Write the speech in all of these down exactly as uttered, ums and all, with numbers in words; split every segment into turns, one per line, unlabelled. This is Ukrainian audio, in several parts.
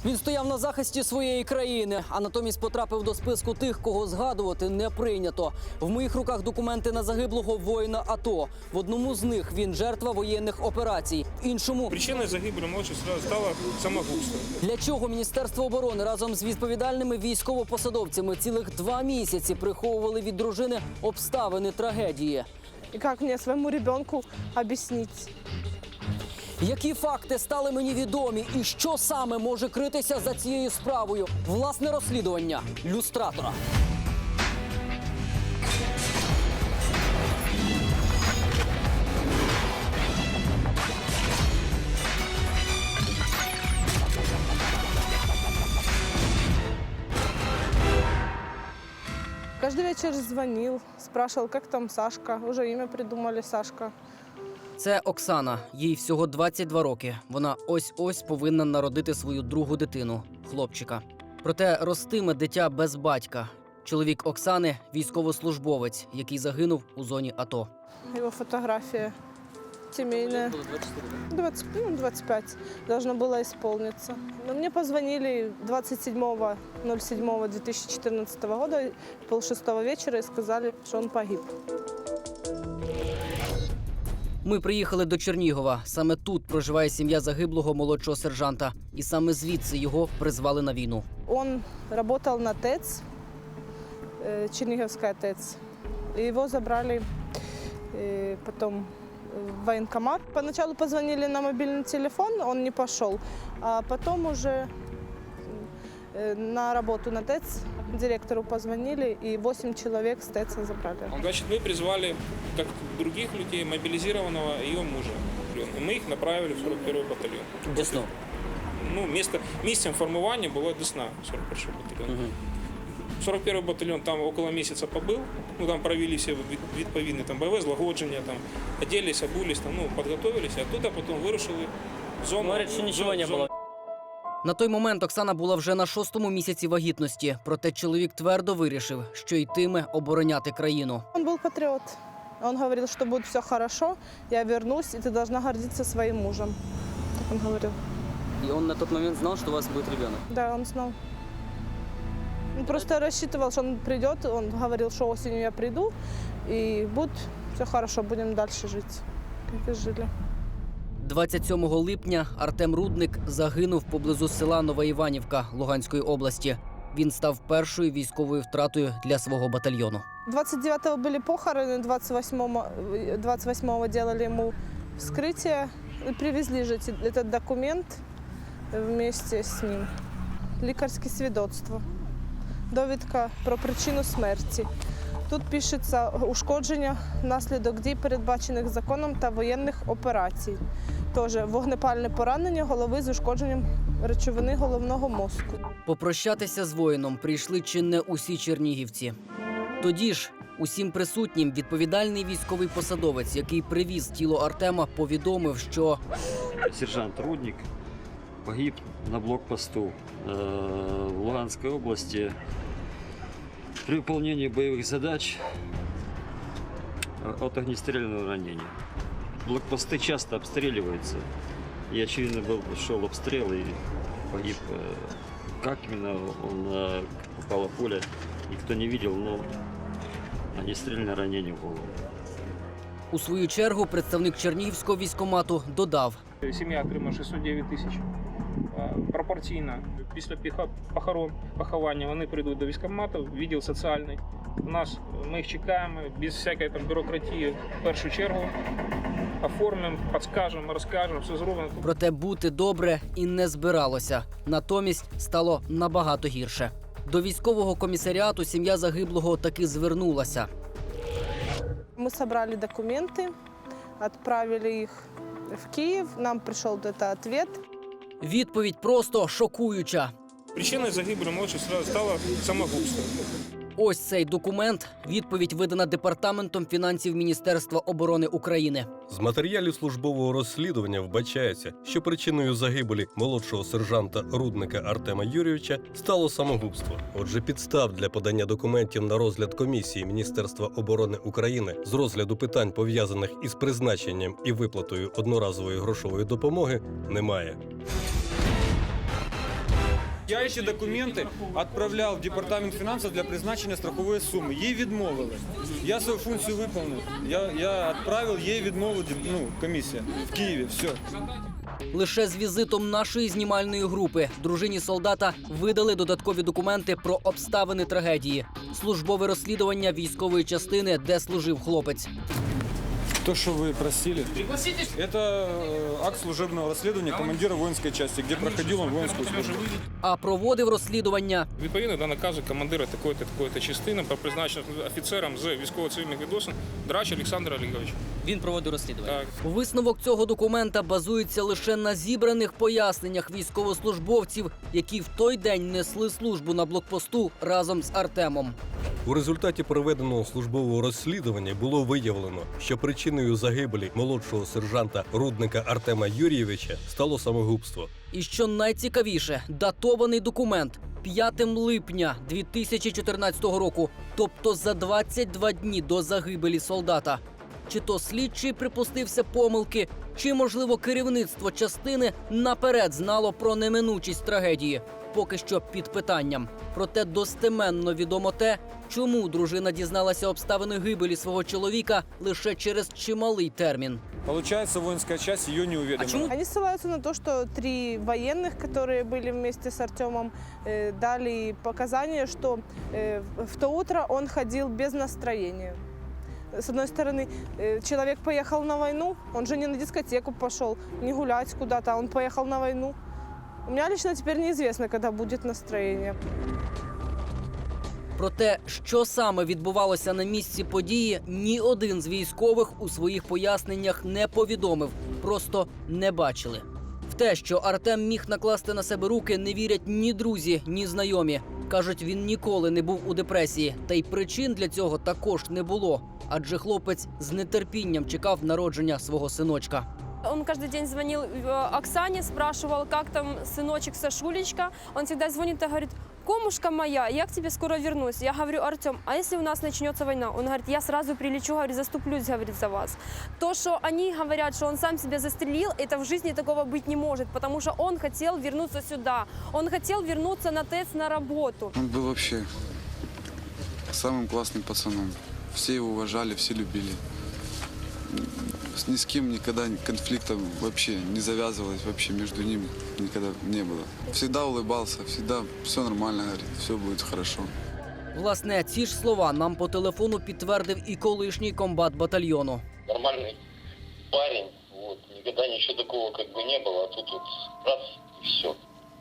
Він стояв на захисті своєї країни, а натомість потрапив до списку тих, кого згадувати не прийнято. В моїх руках документи на загиблого воїна АТО. В одному з них він жертва воєнних операцій. В іншому
Причиною загибелі молодшого сержанта стало самогубство.
Для чого Міністерство оборони разом з відповідальними військовопосадовцями цілих два місяці приховували від дружини обставини трагедії?
И как мне своему ребенку объяснить?
Які факти стали мені відомі і що саме може критися за цією справою? Власне розслідування люстратора.
Каждый вечер звонил, спрашивал, как там Сашка. Уже имя придумали, Сашка.
Це Оксана. Їй всього двадцять два роки. Вона ось-ось повинна народити свою другу дитину – хлопчика. Проте ростиме дитя без батька. Чоловік Оксани – військовослужбовець, який загинув у зоні АТО.
Его фотография семейная. двадцать, ну, двадцать пять должно было исполниться. Но мне позвонили двадцать седьмого ноль седьмого две тысячи четырнадцатого года, полшестого вечера, и сказали, что он погиб.
Ми приїхали до Чернігова. Саме тут проживає сім'я загиблого молодшого сержанта. І саме звідси його призвали на війну.
Он работал на ТЭЦ, э, Черниговская ТЭЦ. И его забрали э, потом в военкомат. Поначалу позвонили на мобильный телефон, он не пошел. А потом уже э, на работу на ТЭЦ директору позвонили, и восемь человек с ТЭЦа забрали.
Значит, мы призвали, как других людей, мобилизированного ее мужа. И мы их направили в сорок первый батальон.
Десну.
Ну, место, местом формування було Десна, сорок перший батальйон. Угу. сорок первый батальйон там около месяца побыл. Ну, там провели все відповідні там бойове злагодження, там оделись, обулись, там, ну, подготовились, а оттуда потім вирушили в зону.
Говорить, що нічого не
зону.
було. На той момент Оксана була вже на шостому місяці вагітності. Проте чоловік твердо вирішив, що йтиме обороняти країну.
Он был патриот. Он говорил, что будет все хорошо, я вернусь, и ты должна гордиться своим мужем. Так он говорил.
І він на той момент знав, що у вас буде дитина?
Да, он знал. Он просто рассчитывал, что он придет. Он говорил, что осенью я приду, и будет все хорошо, будем дальше жить, как и жили.
двадцять сьомого липня Артем Рудник загинув поблизу села Нова Іванівка Луганської області. Він став першою військовою втратою для свого батальйону.
двадцать девятого были похороны, двадцать восьмого, двадцать восьмого делали ему вскрытие. И привезли же этот документ вместе с ним. Лікарське свідоцтво. Довідка про причину смерті. Тут пишеться ушкодження внаслідок дій, передбачених законом та воєнних операцій. Тож вогнепальне поранення голови з ушкодженням речовини головного мозку.
Попрощатися з воїном прийшли чи не усі чернігівці. Тоді ж усім присутнім відповідальний військовий посадовець, який привіз тіло Артема, повідомив, що
сержант Рудник погиб на блокпосту в Луганской области при выполнении боевых задач от огнестрельного ранения. Блокпосты часто обстреливаются, и очевидно был, шел обстрел и погиб. Как именно он попало пуля, никто не видел, но огнестрельное ранение в голову.
у свою чергу представник Чернігівського військкомату додав:
Сім'я отримала шістсот дев'ять тисяч. Пропорційно після похорон, поховання вони прийдуть до військкомату, відділ соціальний. У нас ми їх чекаємо без всякої там бюрократії в першу чергу. Оформимо, підскажемо, розкажемо, все зробимо.
Проте бути добре і не збиралося. Натомість стало набагато гірше. До військового комісаріату сім'я загиблого таки звернулася.
Мы собрали документы, отправили их в Киев. Нам пришел этот ответ.
Відповідь просто шокуюча.
Причиною загибелі молодшого сержанта стало самогубство.
Ось цей документ – відповідь, видана Департаментом фінансів Міністерства оборони України.
З матеріалів службового розслідування вбачається, що причиною загибелі молодшого сержанта Рудника Артема Юрійовича стало самогубство. Отже, підстав для подання документів на розгляд комісії Міністерства оборони України з розгляду питань, пов'язаних із призначенням і виплатою одноразової грошової допомоги, немає.
Я эти документы отправлял в департамент финансов для призначення страхової суми. Їй відмовили. Я свою функцію виконав. Я, я відправив, їй відмовила ну, комісія в Києві. Все.
Лише з візитом нашої знімальної групи дружині солдата видали додаткові документи про обставини трагедії, службове розслідування військової частини, де служив хлопець.
То, что вы просили, это э, акт служебного расследования командира воинской части, где проходил он воинскую службу.
А проводив розслідування
Відповідно до наказу командира такої-то, такої-то частини про призначення офіцером з військово-цивільних відносин Драч Олександр Олегович.
він проводив розслідування.
Так.
Висновок цього документа базується лише на зібраних поясненнях військовослужбовців, які в той день несли службу на блокпосту разом з Артемом.
У результаті проведеного службового розслідування було виявлено, що причиною загибелі молодшого сержанта Рудника Артема Юрійовича стало самогубство.
І що найцікавіше, датований документ п'ятого липня дві тисячі чотирнадцятого року, тобто за двадцять два дні до загибелі солдата. Чи то слідчий припустився помилки, чи, можливо, керівництво частини наперед знало про неминучість трагедії. Поки що під питанням. Проте достеменно відомо те, чому дружина дізналася обставини гибелі свого чоловіка лише через чималий термін.
Получается, воинская часть ее не уведомила.
Они ссылаются на то, что три военных, которые были вместе с Артемом, э, дали показания, что э, в то утро он ходил без настроения. С одной стороны, э, человек поехал на войну, он же не на дискотеку пошел, не гулять куда-то, а он поехал на войну. У меня лично теперь неизвестно, когда будет настроение.
Про те, що саме відбувалося на місці події, ні один з військових у своїх поясненнях не повідомив, просто не бачили. В те, що Артем міг накласти на себе руки, не вірять ні друзі, ні знайомі. Кажуть, він ніколи не був у депресії, та й причин для цього також не було, адже хлопець з нетерпінням чекав народження свого синочка.
Он каждый день звонил э, Оксане, спрашивал, как там сыночек Сашулечка. Он всегда звонит и говорит: «Комушка моя, я к тебе скоро вернусь». Я говорю: «Артем, а если у нас начнется война?» Он говорит: «Я сразу прилечу, говорит, заступлюсь, говорит, за вас». То, что они говорят, что он сам себя застрелил, это в жизни такого быть не может, потому что он хотел вернуться сюда. Он хотел вернуться на ТЭЦ на работу.
Он был вообще самым классным пацаном. Все его уважали, все любили. Ни с кем никогда конфликтов вообще не завязывалось, вообще между ним никогда не было. Всегда улыбался, всегда все нормально, говорит, все будет хорошо.
Власне, ці ж слова нам по телефону підтвердив і колишній комбат батальйону.
Нормальный парень, вот, никогда ничего такого как бы не было, а тут вот раз и все.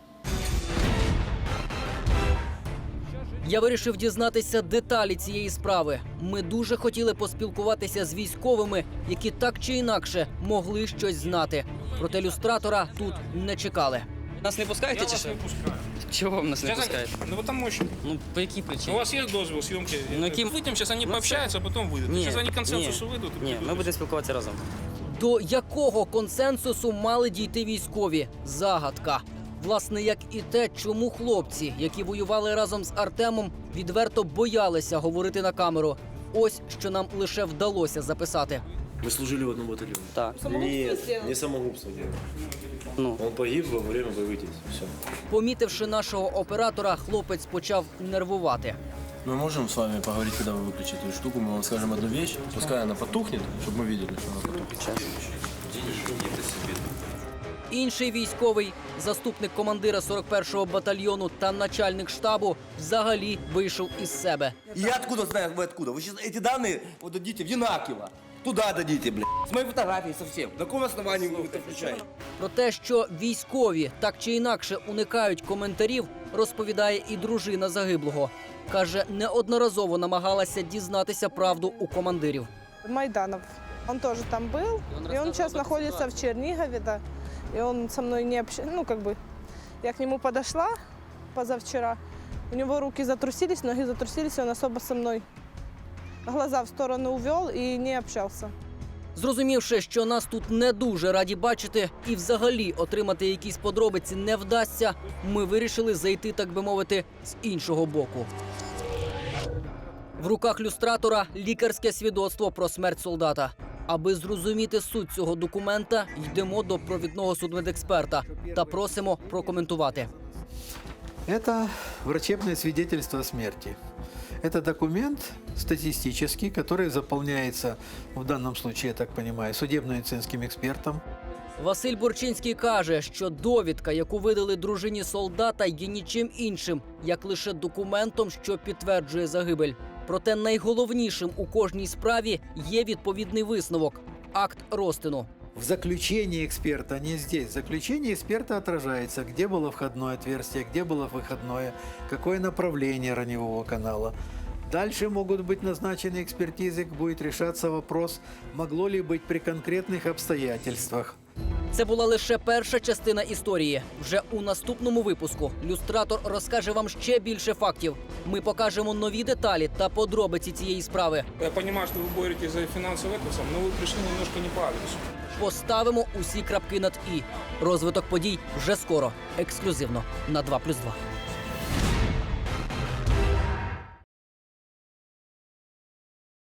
Я вирішив дізнатися деталі цієї справи. Ми дуже хотіли поспілкуватися з військовими, які так чи інакше могли щось знати. Проте люстратора тут не чекали.
Нас не пускаєте чи що? Чого ви нас не пускаєте?
Ну потому что.
Ну, по якій
У
причині?
вас есть дозвол съемки?
Ну, яким-
Выйдем, сейчас они
Ну,
пообщаются, а потом выйдут.
Ні,
Сейчас они к консенсусу
ні.
выйдут. и
Ні,
придут.
ми будемо спілкуватися разом.
До якого консенсусу мали дійти військові? Загадка. Власне, як і те, чому хлопці, які воювали разом з Артемом, відверто боялися говорити на камеру. Ось що нам лише вдалося записати.
Мы служили в одном батальоне.
Так.
Нет, не самогубство делал.
Ну,
Он погиб во время боевых действий. Все.
Помітивши нашого оператора, хлопець почав нервувати.
Мы можем с вами поговорить, когда вы выключите эту штуку. Мы вам скажем одну вещь, пускай она потухнет, чтобы мы видели, что она потухнет.
час.
Інший військовий, заступник командира сорок першого батальйону та начальник штабу, взагалі вийшов із себе.
Я откуда знаю, вы откуда? Вы сейчас эти данные вот дадите в Янакиево. Туда дадите, блядь. С моей фотографией совсем. На каком основании вы это включаете?
Про те, що військові так чи інакше уникають коментарів, розповідає і дружина загиблого. Каже, неодноразово намагалася дізнатися правду у командирів.
Майданов. Он тоже там был, и он сейчас находится в Чернигове, да. И он со мной не общается, ну как бы, я к нему подошла позавчера, у него руки затрусились, ноги затрусились, и он особо со мной глаза в сторону увел и не общался.
Зрозумівши, що нас тут не дуже раді бачити і взагалі отримати якісь подробиці не вдасться, ми вирішили зайти, так би мовити, з іншого боку. В руках люстратора лікарське свідоцтво про смерть солдата. Аби зрозуміти суть цього документа, йдемо до провідного судмедексперта та просимо прокоментувати.
Это врачебное свидетельство о смерти. Это документ статистический, который заполняется, в данном случае, я так понимаю, судебно-медицинским экспертом.
Василь Бурчинський каже, що довідка, яку видали дружині солдата, є нічим іншим, як лише документом, що підтверджує загибель. Проте найголовнішим у кожній справі є відповідний висновок – акт розтину.
В заключении эксперта, не здесь, в заключении эксперта отражается, где было входное отверстие, где было выходное, какое направление раневого канала. Дальше могут быть назначены экспертизы, будет решаться вопрос, могло ли быть при конкретных обстоятельствах.
Це була лише перша частина історії. Вже у наступному випуску люстратор розкаже вам ще більше фактів. Ми покажемо нові деталі та подробиці цієї справи.
Я понимаю, что вы боретесь за финансовый это, но вы пришли немножко не по адресу.
Поставимо усі крапки над «і». Розвиток подій вже скоро. Ексклюзивно на два плюс два.